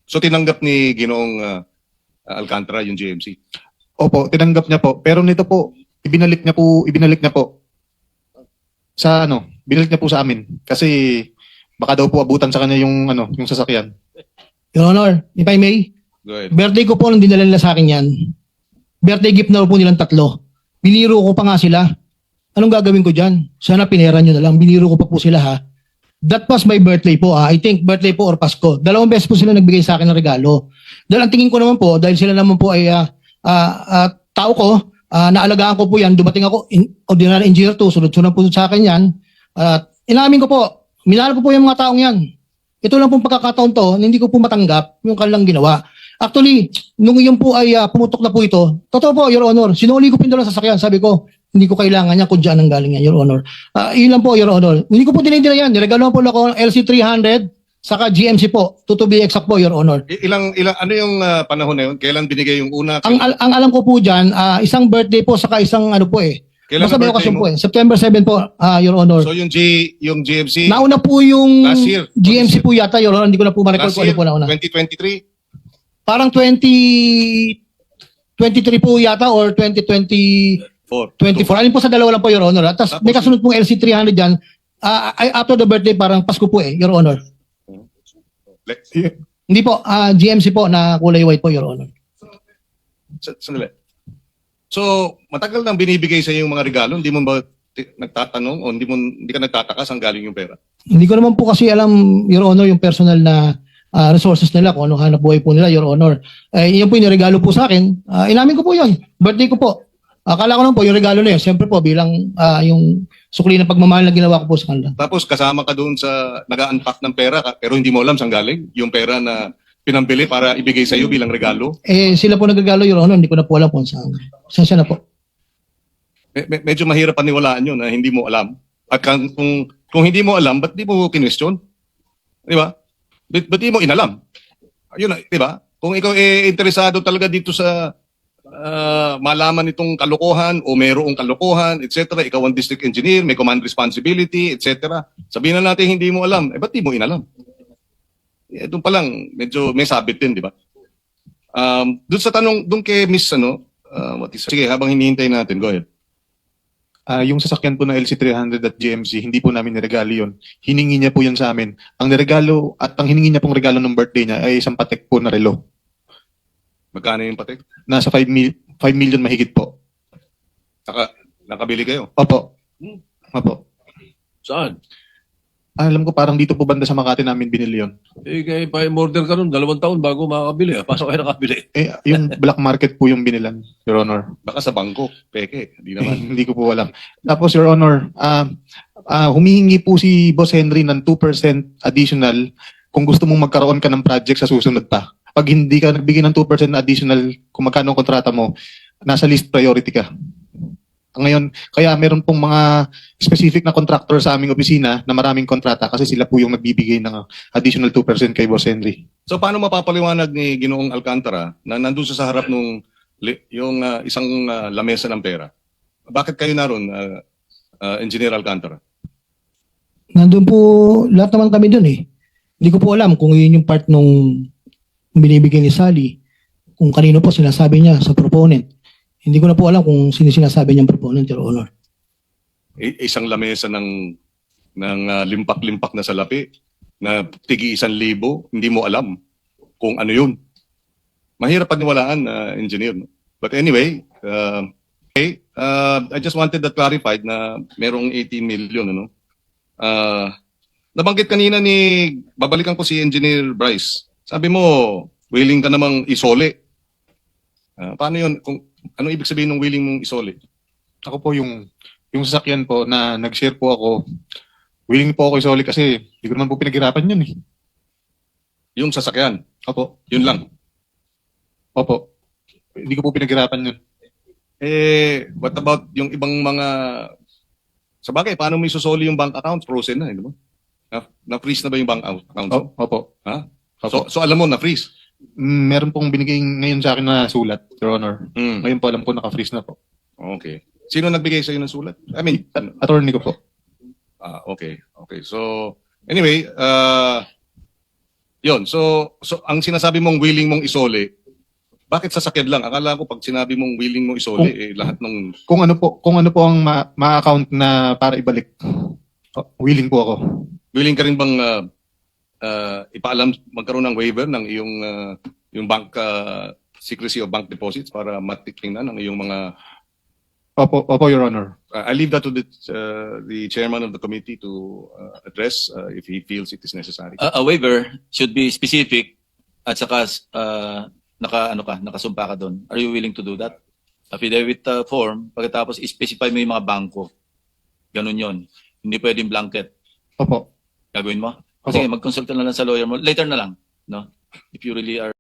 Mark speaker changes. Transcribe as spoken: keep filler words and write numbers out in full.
Speaker 1: So tinanggap ni Ginoong uh, Alcantara yung G M C?
Speaker 2: Opo, tinanggap niya po. Pero nito po, ibinalik niya po, ibinalik niya po sa ano, binalik niya po sa amin. Kasi baka daw po abutan sa kanya yung ano, yung sasakyan.
Speaker 3: Your Honor, if I may,
Speaker 1: Go ahead.
Speaker 3: birthday ko po nung dinala nila sa akin yan. Birthday gift na po nilang tatlo. Biniro ko pa nga sila. Anong gagawin ko dyan? Sana pinera nyo na lang. Biniro ko pa po sila ha. That was my birthday po. Ah. I think birthday po or Pasko. Dalawang beses po sila nagbigay sa akin ng regalo. Dahil ang tingin ko naman po, dahil sila naman po ay uh, uh, uh, tao ko, uh, naalagaan ko po yan. Dumating ako, in, ordinary engineer to, sunod-sunod po sa akin yan. At uh, inamin ko po, minahal ko po yung mga taong yan. Ito lang pong pagkakataon to, hindi ko po matanggap yung kanilang ginawa. Actually, nung iyon po ay uh, pumutok na po ito, totoo po, Your Honor, sinuli ko pindola sa sasakyan. Sabi ko, hindi ko kailangan niya kung dyan ang galing yan, Your Honor. Uh, yun lang po, Your Honor. Hindi ko po dinidila yan. Niregalo po ako ng L C three hundred, saka G M C po. To, to be exact po, Your Honor.
Speaker 1: I- Ilang, ilang, ano yung uh, panahon na yun? Kailan binigay yung una?
Speaker 3: Ang, al- ang alam ko po dyan, uh, isang birthday po, saka isang ano po eh.
Speaker 1: Kailan
Speaker 3: Basta
Speaker 1: na
Speaker 3: may
Speaker 1: birthday
Speaker 3: okasyon
Speaker 1: mo?
Speaker 3: po eh. September seventh po, uh, Your Honor.
Speaker 1: So yung G, yung G M C,
Speaker 3: Nauna po yung
Speaker 1: Last year.
Speaker 3: G M C po yata, Your Honor. Hindi ko na po ma-record
Speaker 1: last
Speaker 3: kung ano
Speaker 1: year,
Speaker 3: po nauna.
Speaker 1: twenty twenty-three?
Speaker 3: Parang twenty twenty-three po yata or twenty twenty
Speaker 1: Four.
Speaker 3: twenty-four. Alin po sa dalawa lang po, Your Honor. Tapos
Speaker 1: Tapos-
Speaker 3: may kasunod pong L C three hundred dyan. Ah, ay- after the birthday, parang Pasko po eh, Your Honor.
Speaker 1: Le-
Speaker 3: Hindi po, ah, G M C po na kulay white po, Your Honor.
Speaker 1: Sa- Sandali. So, matagal nang binibigay sa iyo yung mga regalo, hindi mo ba ti- nagtatanong o hindi mo hindi ka nagtataka saan galing yung pera?
Speaker 3: Hindi ko naman po kasi alam, Your Honor, yung personal na ah, resources nila, kung ano hanap buhay po nila, Your Honor. Eh, yun po yung regalo po sa akin. Ah, inamin ko po yun. Birthday ko po. Akala ko lang po, yung regalo na yun, siyempre po, bilang ah, yung sukli ng pagmamahal na ginawa ko po sa kanila.
Speaker 1: Tapos kasama ka doon sa nag-unpack ng pera ka, pero hindi mo alam saan galing yung pera na pinambili para ibigay sa iyo bilang regalo.
Speaker 3: Eh, sila po nagregalo, Your Honor, hindi ko na po alam kung saan. Saan siya na po.
Speaker 1: Me- me- medyo mahirap paniwalaan yun na hindi mo alam. At kung, kung, kung hindi mo alam, ba't di mo kinwestiyon? Di ba? Ba't, ba't di mo inalam? Ayun, na, di ba? Kung ikaw eh, interesado talaga dito sa ah, malaman itong kalokohan o mayroong kalokohan, et cetera. Ikaw ang district engineer, may command responsibility, et cetera. Sabihin na natin hindi mo alam. Eh, ba't di mo inalam? Eh, doon pa lang, medyo may sabit din, di ba? Um, doon sa tanong, doon kay Miss, ano, ah, what is, sige, habang hinihintay natin, go ahead.
Speaker 2: Ah, yung sasakyan po na L C three hundred at G M C, hindi po namin niregalo yun. Hiningi niya po yun sa amin. Ang niregalo at ang hiningi niya pong regalo ng birthday niya ay isang patek po na relo.
Speaker 1: Magkano yung patek?
Speaker 2: Nasa five million mahigit po.
Speaker 1: Naka, nakabili kayo?
Speaker 2: Opo. Opo.
Speaker 4: Saan?
Speaker 2: Ah, alam ko parang dito po banda sa Makati namin binili yun.
Speaker 4: Eh, kaya pa order ka nun, dalawang taon bago makakabili. Ah. Pasok kayo nakabili.
Speaker 2: Eh, yung black market po yung binilan, Your Honor.
Speaker 1: Baka sa bangko, peke, hindi
Speaker 2: Eh,
Speaker 1: naman.
Speaker 2: hindi ko po alam. Tapos, Your Honor, ah ah, humihingi po si Boss Henry ng two percent additional kung gusto mong magkaroon ka ng project sa susunod pa. Pag hindi ka nagbigay ng two percent na additional kung magkano ang kontrata mo, nasa list priority ka. Ngayon, kaya meron pong mga specific na contractor sa aming opisina na maraming kontrata kasi sila po yung nagbibigay ng additional two percent kay Boss Henry.
Speaker 1: So paano mapapaliwanag ni Ginoong Alcantara na nandun siya sa harap nung li- yung ah, isang ah, lamesa ng pera? Bakit kayo naroon, ah, ah, Engineer Alcantara?
Speaker 3: Nandun po, lahat naman kami dun eh. Hindi ko po alam kung yun yung part nung binibigay ni Sally, kung kanino po sinasabi niya sa proponent. Hindi ko na po alam kung sino sinasabi niyang proponent, Your Honor.
Speaker 1: I- isang lamesa ng ng ah, limpak-limpak na salapi na tigi isang libo, hindi mo alam kung ano yun. Mahirap paniwalaan, na engineer. No? But anyway, uh, okay, uh, I just wanted that clarified na merong eighteen million. Ano? Uh, nabanggit kanina ni, babalikan ko si Engineer Bryce. Sabi mo, willing ka namang isole. Uh, paano yun? Kung, ano ibig sabihin ng willing mong isole?
Speaker 2: Ako po yung yung sasakyan po na nag-share po ako, willing po ako isoli kasi hindi ko naman po pinaghirapan yun eh.
Speaker 1: Yung sasakyan,
Speaker 2: Opo.
Speaker 1: yun lang.
Speaker 2: Opo. Hindi ko po pinaghirapan yun.
Speaker 1: Eh, what about yung ibang mga... Sa bagay, paano mo isusoli yung bank account? Frozen na, eh, di ba? Na, na-freeze na ba yung bank out- account?
Speaker 2: O, opo.
Speaker 1: Ha?
Speaker 2: Opo.
Speaker 1: So, so alam mo, na-freeze.
Speaker 2: Mm, meron pong binigay ngayon sa akin na sulat, Your Honor.
Speaker 1: Mm.
Speaker 2: Ngayon po alam ko naka-freeze na po.
Speaker 1: Okay. Sino nagbigay sa'yo ng sulat? I mean, ano?
Speaker 2: Attorney ko po.
Speaker 1: Ah, okay. Okay. So, anyway, uh, Yun. So, so ang sinasabi mong willing mong isole, bakit sasakyan lang? Akala ko pag sinabi mong willing mong isole,
Speaker 2: Kung-
Speaker 1: eh, lahat ng...
Speaker 2: Kung ano po, kung ano po ang ma- ma-account na para ibalik. Oh, willing po ako.
Speaker 1: Willing ka rin bang uh, uh, ipaalam, magkaroon ng waiver ng iyong uh, yung bank uh, secrecy of bank deposits para matitingnan ang iyong mga...
Speaker 2: Opo, opo, Your Honor.
Speaker 1: Uh, I leave that to the, uh, the chairman of the committee to uh, address uh, if he feels it is necessary.
Speaker 5: A, a waiver should be specific at saka uh, naka ano ka, nakasumpa ka doon. Are you willing to do that? Affidavit uh, form, pagkatapos i-specify mo yung mga bangko. Ganun yon. Hindi pwedeng blanket.
Speaker 2: Opo.
Speaker 5: Gagawin mo?
Speaker 2: Opo.
Speaker 5: Sige, mag-consult ka na lang sa lawyer mo. Later na lang. No? If you really are